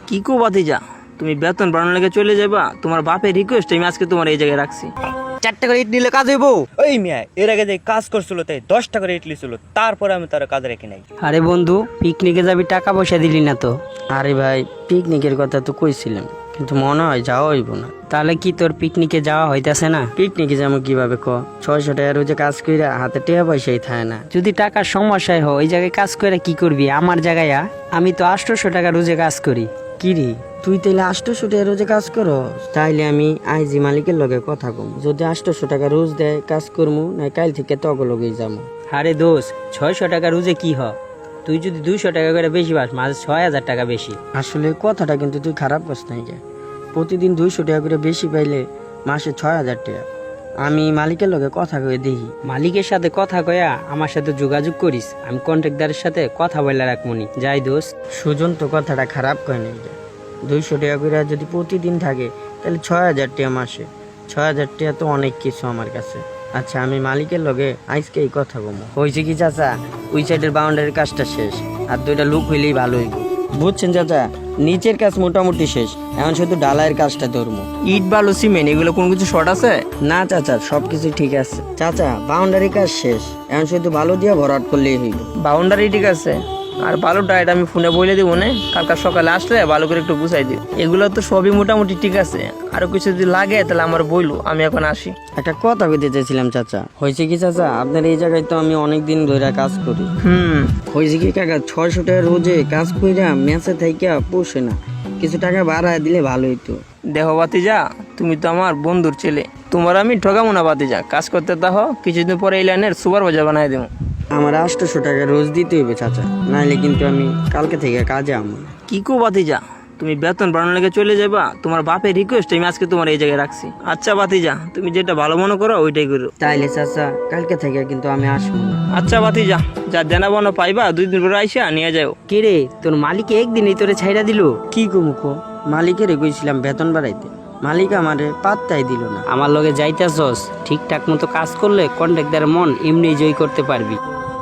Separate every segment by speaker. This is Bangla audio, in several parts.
Speaker 1: কি কো ভাতিজা, তুমি বেতন বাড়ানোর লেগে চলে যাবা? তোমার বাপের রিকোয়েস্ট আমি আজকে তোমার এই জায়গায় রাখছি।
Speaker 2: 4 টাকা ইট নিলে কাজ হইব? ওই মিয়া এর আগে যে কাজ করছিল তাই 10 টাকার ইট লিছিল, তারপরে আমি তার কাজ রেখে নাই।
Speaker 3: আরে বন্ধু, পিকনিকে যাবি, টাকা পয়সা দিলি না তো? আরে ভাই, পিকনিকের কথা তো কইছিলাম, কিন্তু মনে হয় যাওয়া হইব না। তাহলে কি তোর পিকনিকে যাওয়া হইতাছে না? পিকনিকে যাবো কিভাবে ক? 600 টাকা রোজে কাজ কইরা হাতে টাকা পয়সাই থাকে না। যদি টাকার সমস্যায় হয় ওই জায়গায় কাজ করে কি করবি? আমার জায়গায় আমি তো 800 টাকা রোজে কাজ করি। কি রে, তুই তাইলে 800 টাকা রোজে কাজ করো? তাইলে আমি আইজি মালিকের লগে কথা কম, যদি 800 টাকা রোজ দেয় কাজ করমু, না কাল থেকে তগ লগেই যাবো। আরে দোষ, 600 টাকা রোজে কি হ? তুই যদি 200 টাকা করে বেশি পাস, মাঝে 6000 টাকা বেশি। আসলে কথাটা কিন্তু তুই খারাপ করছ নাই। প্রতিদিন 200 টাকা করে বেশি পাইলে মাসে 6000 টাকা। আমি মালিকের লগে কথা কয়ে দেখি। মালিকের সাথে কথা কয়া আমার সাথে যোগাযোগ করিস, আমি কন্ট্রাক্টদারের সাথে কথা বলে রাখমনি। যাই দোষ, সুজন তো কথাটা খারাপ কয় নাই। 200 টাকা করে যদি প্রতিদিন থাকে তাহলে 6000 টাকা মাসে। 6000 টাকা তো অনেক কিছু আমার কাছে। আচ্ছা, আমি মালিকের লগে আজকে এই কথা বলবো। হয়েছে কি চাচা, ওই সাইডের বাউন্ডারির কাজটা শেষ, আর 2টা লোক হইলেই ভালো হইব। বুঝছেন চাচা, নিচের কাজ মোটামুটি শেষ, এখন শুধু ঢালাইয়ের কাজটা ধরবো।
Speaker 1: ইট বালু সিমেন্ট এগুলো কোনো কিছু শর্ট আছে?
Speaker 3: না চাচা, সবকিছু ঠিক আছে। চাচা, বাউন্ডারি কাজ শেষ, এখন শুধু ভালো দিয়ে ভরাট করলেই হইব।
Speaker 1: বাউন্ডারি ঠিক আছে, আর বালুটা এটা আমি ফোনে বলে দিব না, কালকে সকালে আসলে ভালো করে একটু বুঝাই দিও। এগুলো তো সবই মোটামুটি ঠিক আছে, আরো কিছু যদি লাগে তাহলে আমার বইলো, আমি এখন আসি।
Speaker 3: একটা কথা বলতে চাইছিলাম চাচা। হয়েছে কি চাচা, আপনার এই জায়গায় তো আমি অনেকদিন ধরে কাজ করি। হয়েছে কি কাকা, 600 টাকা রোজে কাজ কইরা মেসে থাইকা পোষে না, কিছু টাকা বাড়ায় দিলে ভালো হইতো।
Speaker 1: দেখো ভাতিজা, তুমি তো আমার বন্ধুর ছেলে, তোমার আমি ঠকাবো না ভাতিজা। কাজ করতে দাও, কিছুদিন পরে এই লাইনের সুপারভাইজার বানাই দেবো।
Speaker 3: আমার 800 টাকা রোজ দিতে হইবে চাচা, নাইলে কিন্তু আমি কালকে থেকে কাজে আমো না।
Speaker 1: কি কো ভাতিজা, তুমি বেতন বাড়ানোর লেগে চলে যাবা? তোমার বাপের রিকোয়েস্ট আমি আজকে তোমার এই জায়গায় রাখছি। আচ্ছা ভাতিজা, তুমি যেটা ভালো মনে করো ওইটাই করো।
Speaker 3: তাইলে চাচা কালকে থেকে কিন্তু আমি আসবো না।
Speaker 1: আচ্ছা ভাতিজা, যা দেনা বানো পাইবা 2 দিন পরে আইসা নিয়ে যাও।
Speaker 3: কে রে, তোর মালিক একদিনই তোরে ছাইড়া দিল? কি কমুকো, মালিকের কইছিলাম বেতন বাড়াইতে, মালিক আমারে পাত্তাই দিল না। আমার লগে যাইতাছস, ঠিকঠাক মতো কাজ করলে কন্ট্রাক্টদারের মন এমনি জয় করতে পারবি।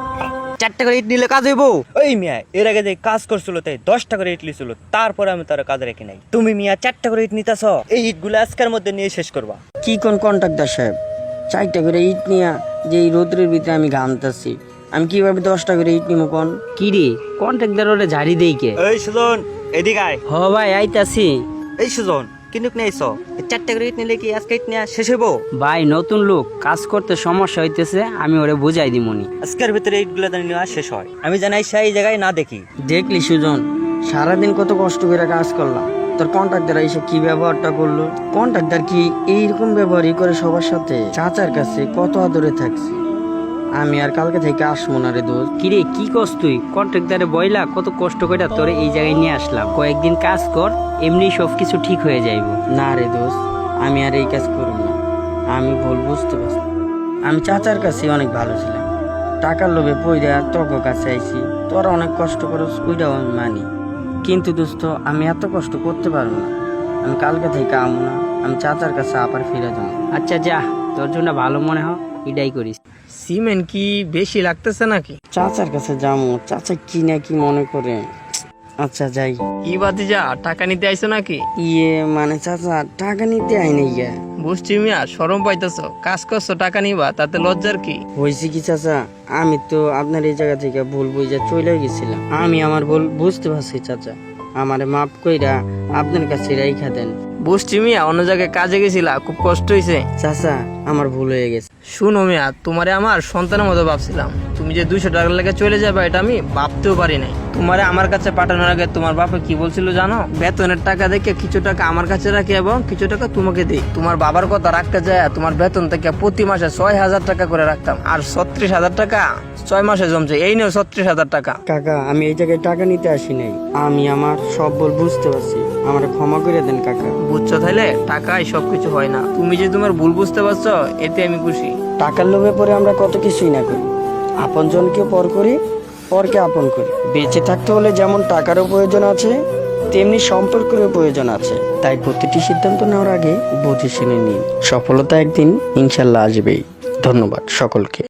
Speaker 2: 4 টাকার ইট নিলে কাজ হইব? ওই মিয়া এর আগে যে কাজ করছিল তাই 10 টাকার ইট লিছিল, তারপরে আমি তার কাজ রেখে নাই। তুমি মিয়া 4 টাকার ইট নিতাছ, এই ইটগুলো আজকের মধ্যে নিয়ে শেষ করবা।
Speaker 3: কি কোন কন্ট্রাক্টর সাহেব, 4টা করে ইট নিয়া যে এই রোদ্রের ভিতরে আমি ঘামতাছি, আমি কিভাবে 10টা করে ইট নিমো কোন? কি রে, কন্ট্রাক্টদার ওরে ঝাড়ি দেই কে?
Speaker 2: এই সুজন, এদিকে আয়।
Speaker 3: হ ভাই, আইতাছি।
Speaker 2: এই সুজন, কিনুক নিয়েছ? 4 টাকার ইট নিলে কি আজকে ইট নিয়ে শেষ হইব?
Speaker 3: ভাই, নতুন লোক, কাজ করতে সমস্যা হইতেছে, আমি ওরে বুঝাই দিমনি।
Speaker 2: আজকের ভিতরে ইটগুলো নেওয়া শেষ হয়, আমি জানাই সেই জায়গায় না দেখি।
Speaker 3: দেখলি সুজন, সারাদিন কত কষ্ট করে কাজ করলাম, তোর কন্ট্রাক্টর এসে কি ব্যবহারটা করলো? কন্ট্রাক্টর কি এইরকম ব্যবহারই করে সবার সাথে? চাচার কাছে কত আদরে থাকছি আমি, আর কালকে থেকে আসবো না রে দোস্ত। কিরে, কি কস তুই? কন্ট্রাক্টরে বইলা কত কষ্ট করে তোরে এই জায়গায় নিয়ে আসলাম, কয়েকদিন কাজ কর, এমনি সবকিছু ঠিক হয়ে যাইব। না রে দোস্ত, আমি আর এই কাজ করব না, আমি ভুল বুঝতে পারছি। আমি চাচার কাছে অনেক ভালো ছিলাম, টাকার লোভে পইরা তোর কাছে আইছি, তোরা অনেক কষ্ট করস, ওইটাও আমি মানি, কিন্তু দোস্ত আমি এত কষ্ট করতে পারবো না। আমি কালকে থেকে আমো না, আমি চাচার কাছে আবার ফিরে যাবো। আচ্ছা যা, তোর জন্য ভালো মনে হয় এটাই করিস।
Speaker 1: সিমেন্ট কি বেশি লাগতেছে নাকি?
Speaker 3: চাচার কাছে যাবো, চাচা কি না কি মনে করে। আচ্ছা যাই।
Speaker 1: কি ভাতিজা, টাকা নিতে আইছো নাকি?
Speaker 3: মানে চাচা টাকা নিতে আইনি গিয়া।
Speaker 1: বুঝছি মিয়া, শরম পাইতেছ, কাজ করছো টাকা নিবা, তাতে লজ্জার কি?
Speaker 3: হয়েছে কি চাচা, আমি তো আপনার এই জায়গা থেকে ভুল বুঝা চলে গেছিলাম, আমি আমার ভুল বুঝতে পারছি চাচা, আমারে মাফ কইরা আপনার কাছে রাইখা দেন।
Speaker 1: বুঝছি মিয়া, অন্য জায়গায় কাজে গেছিলা, খুব কষ্ট হয়েছে।
Speaker 3: চাচা আমার ভুল হয়ে গেছে।
Speaker 1: শুনো মিয়া, তোমারে আমার সন্তানের মতো ভাবছিলাম, তুমি যে 200 টাকার লেগে চলে যাবে এটা আমি ভাবতেও পারি নাই। তোমারে আমার কাছে পাঠানোর আগে তোমার বাবা কি বলছিল জানো? বেতনের টাকা দেখে কিছু টাকা আমার কাছে রাখি এবং কিছু টাকা তোমাকে দিই। তোমার বাবার কথা রাখতে যায় তোমার বেতন থেকে প্রতি মাসে 6000 টাকা করে রাখতাম, আর 36,000 টাকা 6 মাসে জমছে। এই নিয়েও 36,000 টাকা।
Speaker 3: কাকা, আমি এই জায়গায় টাকা নিতে আসি নাই, আমি আমার সব ভুল বুঝতে পারছি, আমার ক্ষমা করে দেন কাকা।
Speaker 1: বুঝছো তাইলে, টাকায় সবকিছু হয় না, তুমি যে তোমার ভুল বুঝতে পারছো এতে আমি খুশি।
Speaker 3: টাকার লোভে পরে আমরা কত কিছুই না করি, আপন জনকে পর করি, পরকে আপন করি। বেঁচে থাকতে হলে যেমন টাকারও প্রয়োজন আছে, তেমনি সম্পর্কেরও প্রয়োজন আছে। তাই প্রতিটি সিদ্ধান্ত নেওয়ার আগে বুঝে শুনে নিন, সফলতা একদিন ইনশাল্লাহ আসবেই। ধন্যবাদ সকলকে।